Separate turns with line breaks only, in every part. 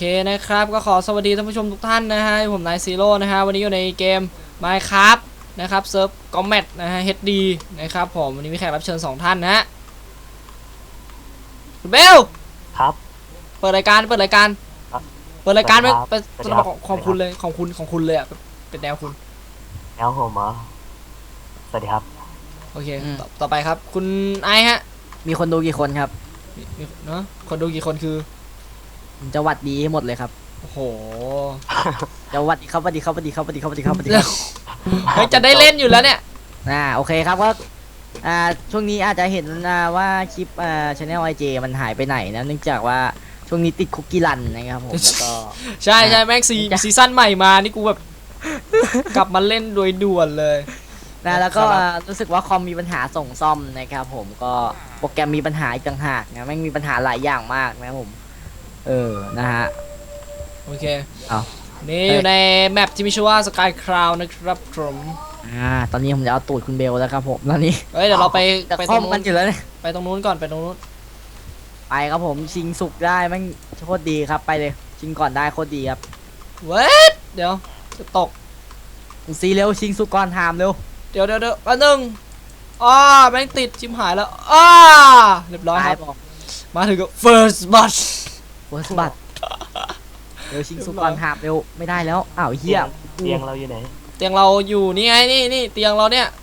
นะครับก็ขอสวัสดีท่านผู้ชมทุกท่านนะฮะผมนายซีโร่นะฮะวันนี้อยู่ในเกม Minecraft นะครับเซิร์ฟคอมแมทนะฮะ HD นะครับผมวันนี้มีแขกรับเชิญ2ท่านนะฮะคุณเบล
ครับ
เปิดรายการเปิดรายการไปบอกของคุณเลยของคุณเลยอ่ะเป็นแนวคุณ
แนวผมเหรอสวัสดีครับ
โอเคต่อไปครับคุณไอฮะ
มีคนดูกี่คนครับ
มีเนาะคนดูกี่คนคือ
จะวัดดีให้หมดเลยครับ
โอ้โห
จะวัดดีครับวัดดีครับวัดดีครับวัดดีครับวัดดีครับวัดดีครับ
จะได้เล่นอยู่แล้วเนี่ย
โอเคครับก็ช่วงนี้อาจจะเห็นว่าคลิปchannel IJ มันหายไปไหนนะเนื่องจากว่าช่วงนี้ติดคุกกี้รันนะครับผมแล้วก็
ใช่แม็กซีซั่นใหม่มานี่กูแบบกลับมาเล่นโดยด่วนเลย
แล้วก็รู้สึกว่าคอมมีปัญหาส่งซ่อมนะครับผมก็โปรแกรมมีปัญหาอีกต่างหากนะแม่งมีปัญหาหลายอย่างมากนะครับผมนะฮะ
โอเคนี่อยู่ในแมปที่มีชื่อว่า Sky Crown นะครับผม
ตอนนี้ผมจะเอาตูดคุณเบลแล้วครับผมตอนนี้
เดี๋ยวเราไป
ตรงนู้นอยู่แล้วเนี่ย
ไปตรงนู้นก่อนไปตรงนู้น
ไปครับผมชิงสุกได้แม่งโคตรดีครับไปเลยชิงก่อนได้โคตรดีครับ
เวทเดี๋ยวจะตก
ซีเร็วชิงสุกก่อนหามเร็ว
เดี๋ยวอันหนึ่งแม่งติดชิมหายแล้วเรียบร้อยครับมาถึงก็ first bus
เร็วชิงสุกก่อนหามเร็วไม่ได้แล้วเฮีย
เตียงเราอยู่ไหน
เตียงเราอยู่นี่ไงนี่เตียงเราเนี่ย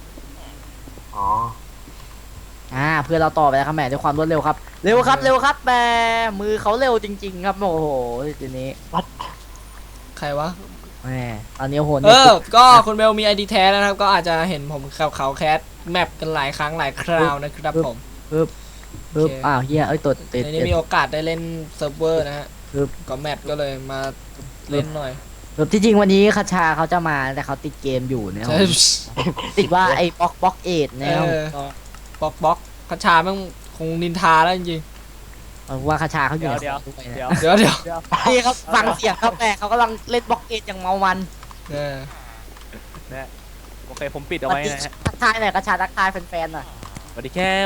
เพื่อเราต่อไปแล้วครับแหมด้วยความรวดเร็วครับเร็วครับแหมมือเขาเร็วจริงๆครับโอ้โหทีนี้
วัด
ใครวะ
แหมตอนนี้โห
ก็คุณเบลมี ID แท้นะครับก็อาจจะเห็นผมเขาแคสแมปกันหลายครั้งหลายคราวนะครับผม
เฮียตัว
ในนี้มีโอกาสได้เล่นเซิร์ฟเวอร์นะฮะก็แมปก็เลยมาเล่นหน่อย
ที่จริงวันนี้คาชาเขาจะมาแต่เขาติดเกมอยู่นะติดว่าไอ้บล็อกเอ็ดนะครับ
บล็อกคาชาแม่งคงนินทาแล้วจริง
ว่าคาชาเขาอยู่
เดี๋ยว
นี่ครับฟังเสียงครับแต่เขากำลังเล่นบล็อกเอ็ดอย่างเมามัน
โอเคผมปิดเอาไว้นะฮะ
ทักทายหน่อยคาชาทักทายแฟนๆหน่อย
สวัสดีครับ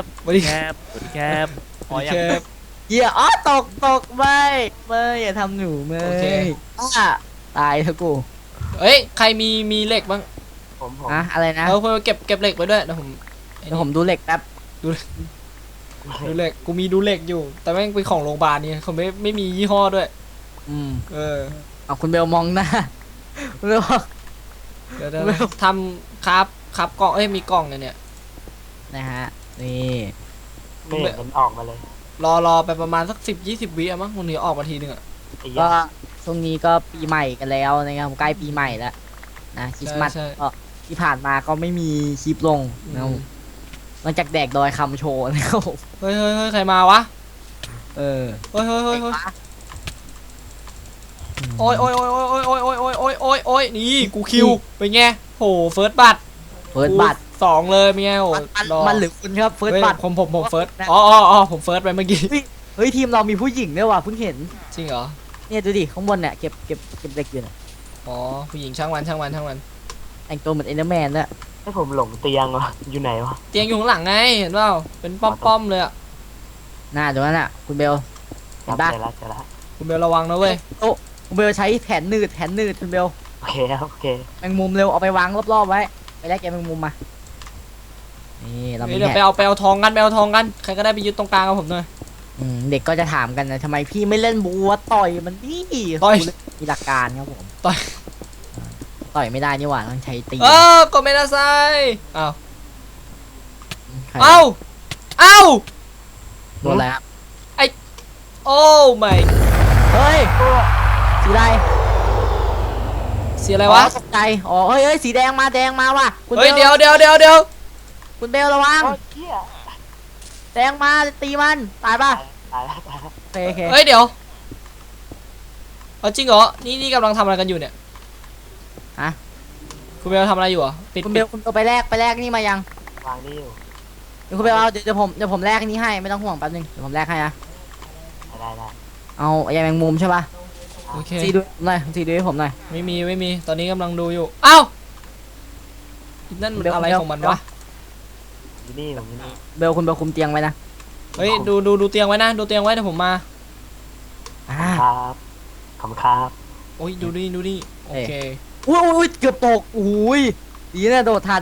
เฮียตกไม่อย่าทำหนูไม่ตายเถอะกู
ใครมีเหล็กบ้าง
ผมอะไรนะ
เก็บเหล็กไปด้วยเดี๋ยว
ผมดูเหล็กแป๊บ
ดูเหล็กกูมีดูเหล็กอยู่แต่แม่งเป็นของโรงพยาบาลนี่เขาไม่มียี่ห้อด้วย
เอาคุณเบลมองหน้าเ
ดี๋ยวทำครับกล่องมีกล่องเนี่ย
นะฮะนี่
มันออกมาเลย
รอไปประมาณสัก10-20 วิมั้งวันนี้ออกมาทีนึง
ก็ช่วงนี้ก็ปีใหม่กันแล้วนะครับใกล้ปีใหม่แล้วนะคริสต์มาสที่ผ่านมาก็ไม่มีคลิปลงนะหลังจากแดกดอยคำโชว์นะครับ
เฮ้ยใครมาวะ
เฮ้ย
โอ้ยนี่กูคิวเป็นไงโหเฟิร์สบัต2เลยเป็นไงโห
มันหรือคุณครับเฟิร์สบัต
ผมเฟิร์สผมเฟิร์สไปเมื่อกี้
เฮ้ยทีมเรามีผู้หญิงด้วยว่ะเพิ่งเห็น
จริงเหรอ
เนี่ยดูดิข้างบนเนี่ยเก็บเหล็กอยู่นะ
ผู้หญิงช่างวัน
แต่งตัวเหมือนเอเดอร์แมนด้วย
ให้ผมหลงเตียงวะอยู่ไหนวะ
เตียงอยู่ข้างหลังไงเห็นเปล่าเป็นป้อมเลย
น่าดูนั่นอ่ะคุณเบล
เห็นป่ะ
คุณเบลระวังนะเว้ย
คุณเบลใช้แผนนืดคุณเบล
โอเค
แมงมุมเร็วเอาไปวางรอบๆไว้ไปแลกแกแมงมุมมานี่เรา
เดี๋ยวไปเอาทองกันใครก็ได้ไปยึดตรงกลางกับผมหน่อย
เด็กก็จะถามกันนะทำไมพี่ไม่เล่นบัวต่อยมันนี่มีหลักการครับผมต่อยไม่ได้นี่หว่าต้องใช้ตี
ก็ไม่ได้ใส่อ้าว
โดนแล้ว
โอ้ไม่
เฮ้ยสีอะไร
สีอะไรวะ
ตกใจเฮ้ยสีแดงมาว่ะ
เฮ้ยเดี๋ยว
คุณเบลระวังแดงมาตีมันตายป่ะโอเค
เฮ้ยเดี๋ยวจริงเหรอนี่กำลังทำอะไรกันอยู่เนี่ยคุณเบลทำอะไรอยู่ปิด
คุณเบลไปแลกนี่มายัง
วางนี่อยู่
คุณเบลเอาเดี๋ยวผมแลกนี่ให้ไม่ต้องห่วงแป๊บนึงเดี๋ยวผมแลกให้นะ
ได้
เอายาแมงมุมใช่ป่ะ
โอเค
ทีดูหน่อยทีดูให้ผมหน่อย
ไม่มีตอนนี้กำลังดูอยู่นั่นมันอะไรของมันวะ
นี่
เบลคุณเบลคุมเตียงไว้นะ
เฮ้ยดูเตียงไว้นะดูเตียงไว้เดี๋ยวผมมา
ครับขำครับ
โอ้ยดูนี่ดูนี่โอเค
อุ้ยเกือบตกอุ้ยดีนะโดดทัน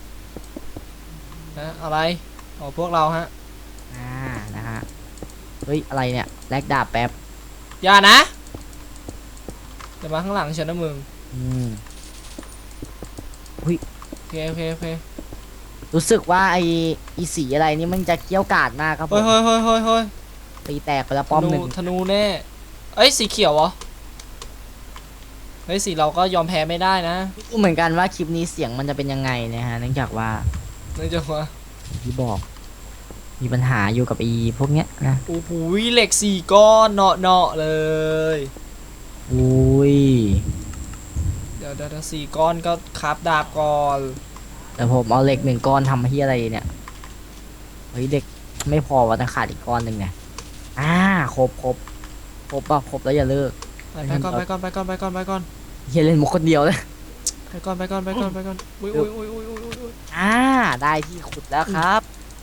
นะอะไรอ๋อพวกเราฮะ
นะฮะเฮ้ยอะไรเนี่ยแลกดาบแป๊บ
อย่านะเดี๋ยวมาข้างหลังฉันนะมึง
อืม
โอเคโอเคโอเค
รู้สึกว่าไอสีอะไรนี่มันจะเกี้ยวกาดมากครับผ
เฮ้ย
ม
เฮ้ยเฮ้ยเฮ้ยเฮ้ย
ตีแตกไปแล้วป้อมหนึ่ง
ธนูแน่เอ้ยสีเขียวเหรอเฮ้ยสีเราก็ยอมแพ้ไม่ได้นะ
ไม่รู้เหมือนกันว่าคลิปนี้เสียงมันจะเป็นยังไงนะฮะเนื่องจากว่า
เนื่องจากว่า
ที่บอก มีปัญหาอยู่กับอีพวกเนี้ยนะ
โอ้โหเหล็ก4 ก้อนเนาะเนาะเลย
อุ้ย
เดี๋ยว4 ก้อนก็คราฟดาบก่อน
แต่ผมเอาเหล็ก1 ก้อนทำที่อะไรเนี่ยเฮ้ยเด็กไม่พอว่าต้องขาดอีกก้อนหนึ่งเนี่ยครบป่ะครบแล้วอย่าเลิก
ไปก่อนไปก่อนไปก่อนไปก่อนไปก่อน
เฮียเล่นมุกคนเดียวเลย
ไปก่อนไปก่อนไปก่อนไปก่อนอุ้ยอุ้ยอุ้ยอุ้ยอุ้ยอุ้ย
ได้ที่ขุดแล้วครับ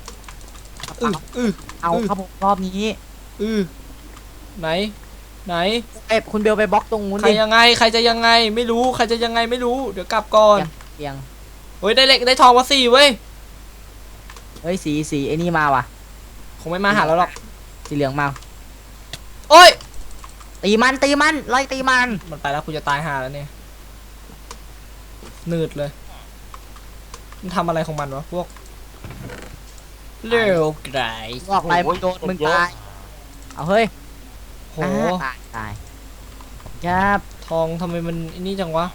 เอาครับผมรอบนี้
ไหนไหน
คุณเบลไปบล็อกตรงนู้น
ใคร
ดิ
ยังไงใครจะยังไงไม่รู้ใครจะยังไงไม่รู้เดี๋ยวกลับก่อน
เตียง
เฮ้ยได้เหล็กได้ทองมา4เว้ย
เฮ้ยสีไอ้นี่มาว่ะ
คงไม่มาหาเราหรอก
สีเหลืองมา
โอ้ย
ตีมันไล่ตีมัน
มันไปแล้วกูจะตายหาแล้วเนี่ยหนืดเลยมันทำอะไรของมันวะพวกเร็วไกล
บอกไปมึงโดนมึงตายเอาเฮ้ย
โห
ตายครับ
ทองทำไมมันไอ้นี่จังวะ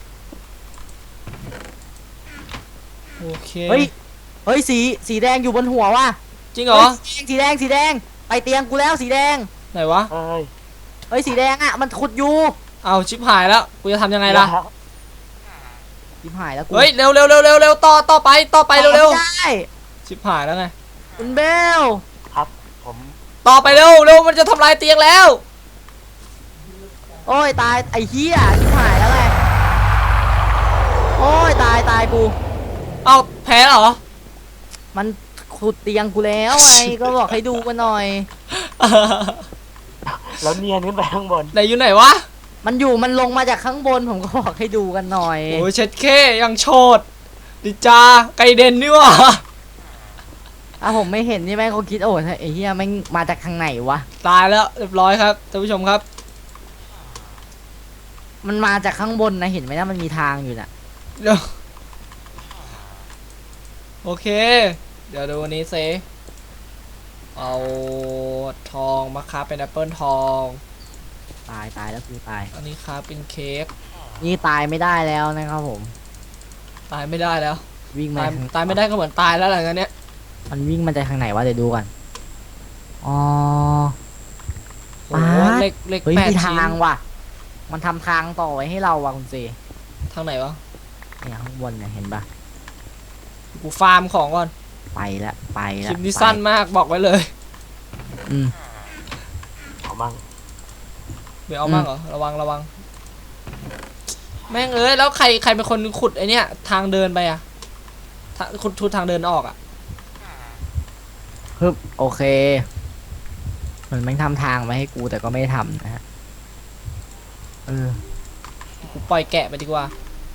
โอเค
เฮ้ยสีแดงอยู่บนหัวว่ะ
จริงเหรอ
สีแดงไปเตียงกูแล้วสีแดง
ไหนวะ
เอ้ย
เฮ้ยสีแดงอ่ะมันขุดอยู่
เอาชิบหายแล้วกูจะทำยังไงล่ะ
ชิบหายแล้วกู
เฮ้ยเร็วเร็วเร็วเร็วเร็วต่อไปเร็วเร็ว
ได้
ชิบหายแล้วไง
คุณเบล
ครับผม
ต่อไปเร็วเร็วมันจะทำลายเตียงแล้ว
โอ้ยตายไอ้เหี้ยชิบหายแล้วไงโอ้ยตายกู
เอาแพ้เหรอ
มันขุดเตียงกูแล้วไง ก็บอกให้ดูกันหน่อย
แล้วเนียนขึ้นไปข้างบน
ไหนอยู่ไหนวะ
มันลงมาจากข้างบนผมก็บอกให้ดูกันหน่อย
โอ้ยเช็ดเคยังโชดดิจาไกเดนนี่วะ
ผมไม่เห็นนี่แม่งเขาคิดโอ้ยไอ้เหี้ยแม่งมาจากทางไหนวะ
ตายแล้วเรียบร้อยครับท่านผู้ชมครับ
มันมาจากข้างบนนะเห็นไหมนะมันมีทางอยู่น่ะ
เดี๋ยวโอเค เดี๋ยวดูวันนี้เซเอาทองมาค้าเป็นแอปเปิลทอง
ตายแล้วคือตาย
อันนี้ค้าเป็นเค้ก
นี่ตายไม่ได้แล้วนะครับผม
ตายไม่ได้แล้ว
วิ่งมา
ตายไม่ได้ก็เหมือนตายแล้วหลังจากเนี้ย
มันวิ่งมาจากทางไหนวะเดี๋ยวดูก่อนอ๋อ
โอ้โห
อ่า
เหล็ก
เฮ้ย
8
มี
ชิ้น
ทางว่ะ มันทำทางต่อไว้ให้เราว่ะคุณเซ
ทางไหนวะ
เนี่ยข้างบนเนี่ยเห็นปะ
กูฟาร์มของก่อน
ไปละ
คลิปนี้สั้นมากบอกไว้เลย
อืม
เอามั่ง
ไม่เอามากเหรอระวังแม่งเอ้ยแล้วใครเป็นคนขุดไอเนี้ยทางเดินไปอะขุดทางเดินออกอะ
ฮึบโอเคมันไม่ทำทางมาให้กูแต่ก็ไม่ทำนะฮะ
กูปล่อยแกะไปดีกว่า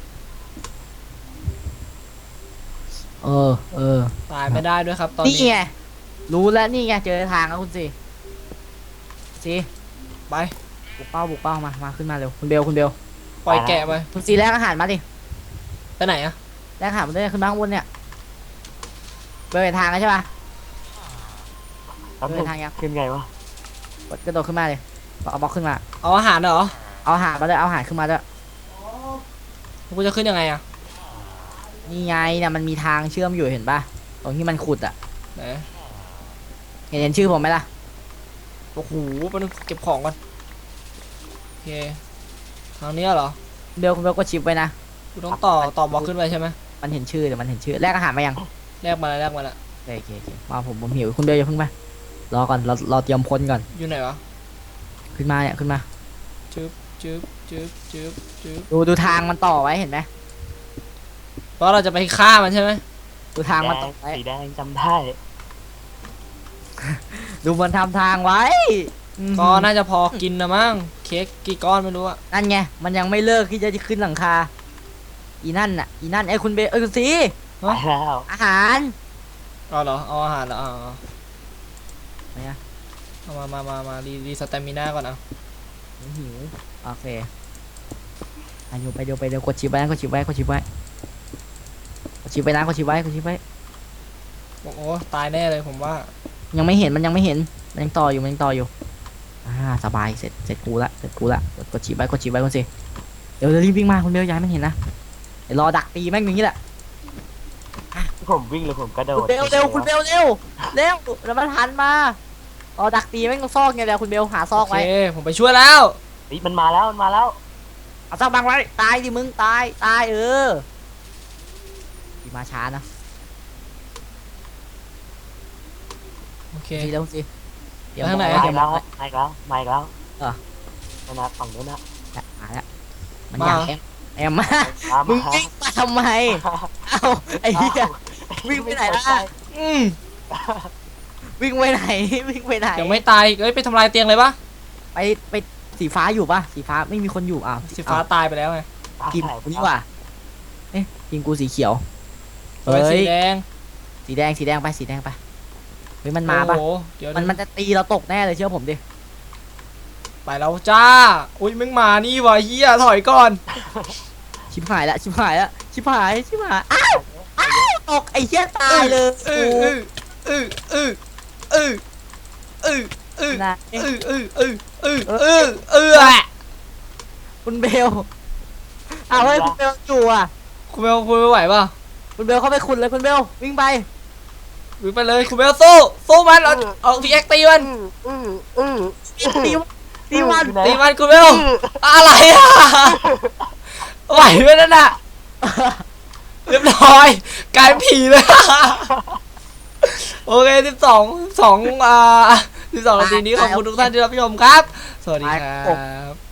เออ
ตายไม่ได้ด้วยครับตอน
นี่
นี้
ไงรู้แล้วนี่ไงเจอทางแล้วคุณซีซี
ไป
บุกเป้ามาขึ้นมาเร็วคุณเบล
ปล่อยแกะไป
คุณซีแลกอาหารมาดิ
ไปไหนอะ
แลกอาหารมาด้วยขึ้นมาข้างบนเนี่ยเบลเห็นทางแล้วใช่ปะ
แป๊บนึ
เดิ
ง
นทางยัง
ขึ้นไงวะ
กระโดดขึ้นมาเลยเอาบล็อกขึ้นมา
เอาอาหารเหรอ
เอาอาหารมาด้วยเอาอาหารขึ้นมาด้วย
กูจะขึ้นยังไงอะ
นี่ไงเนี่ยมันมีทางเชื่อมอยู่เห็นปะตรงที่มันขุดอ่ะ
ไหน
เห็นชื่อผมไหมล่ะ
โอ้โหไปเก็บของก่อนโอเคทางเนี้ยเหรอ
คุณเบลก็ชิปไว้นะ
กูต้องต่อบล็อกขึ้นไปใช่ไหม
มันเห็นชื่อเดี๋ยวมันเห็นชื่อแลกอาหารมายัง
แลกมาแล้ว
โอเคมาผมหิวคุณเบลอย่าเพิ่งไปรอก่อนรอเตรียมพ้นก่อน
อยู่ไหนวะ
ขึ้นมาเนี่ยขึ้นมา
จึ๊บ
ดูทางมันต่อไว้เห็นไหม
เพราะเราจะไปฆ่ามันใช่ไหม
ดูทางมันต่อไว้
สีแดงจำได้
ดูมันทำทางไว้
ก็น่าจะพอกินนะมั้งเค้กกี่ก้อนไม่รู้อะ
นั่นไงมันยังไม่เลิกที่จะขึ้นหลังคาอีนั่นน่ะอีนั่นไอ้คุณเบลคุณซี
ไปแล้ว
อาหาร
เอาเหรอเอาอาหารเหรอเอา
ไหนอะ
เอามารีสเตมิน่าก่อนเอา
หิวโอเคไปเดี๋ยวกดชิปไว้นะกดชิปไว้กดชิปไว้นะกดชิปไว้
โอ้โหตายแน่เลยผมว่า
ยังไม่เห็นมันยังต่ออยู่สบายเสร็จกูละกดชิปไว้คุณสิเดี๋ยวรีบวิ่งมาคุณเบลย้ายมันเห็นนะเดี๋ยวรอดักตีแม่งอย่างนี้แหละ
ผมวิ่งเลยผมกระโด
คุณ
ด
เบลเร็วแล้วมันหันมารอดักตีแม่งต้องซอกไงแล้วคุณเบลหาซอ
โอก เค
ไว้
ผมไปช่วยแล้ว
เฮ้ยมันมาแล้ว
เอาซอกบังไว้ตายดิมึงตายตีมาช้านะ
โอเค
สิแล้วสิเดี๋ยว
ไปทางไหน
มา
เดี๋
อี
ยว
กแล้วมาอีกแล้ว
เหรอ
นั่นนะฝั่งนู้นนะ
มาแล้วมันอยากแอมมา มึงวิ่งมาทำไมเอ้าไอ้เหี้ย วิ่งไปไหนล่ะ
อืม
วิ่งไปไหน
ยังไม่ตายเอ้ยไปทำลายเตียงเลยปะ
ไปสีฟ้าอยู่ปะสีฟ้าไม่มีคนอยู่อ้าว
สีฟ้าตายไปแล้วไง
ทีมกูนี่หว่าเอ๊ะทีมกูสีเขียว
เฮ้ยสีแดง
สีแดงไปเฮ้ยมันมาปะ
โอ้โหเดี๋ยว
มันจะตีเราตกแน่เลยเชื่อผมดิ
ไปแล้วจ้าอุ้ยมึงมานี่วะเฮียถอยก่อน
ชิบหายละอ้าวตกไอ้เหี้ยตายเลย นะ คุณเบลเอาเฮ้ยคุณเบลอยู่อ่ะ
คุณเบลคุณไม่ไหวป่ะ
คุณเบลเข้าไปขุดเลยคุณเบลวิ่งไป
วิ่งไปเลยคุณเบลสู้มันเอาพีเอ็กตีมัน
ตีมัน
ตีมันคุณเบลอะไรอ่ะไหวไหมนั่นน่ะเรียบร้อยกลายเป็นผีเลยโอเค12นาทีนี้ขอบคุณทุกท่านที่รับชมครับสวัสดีครับ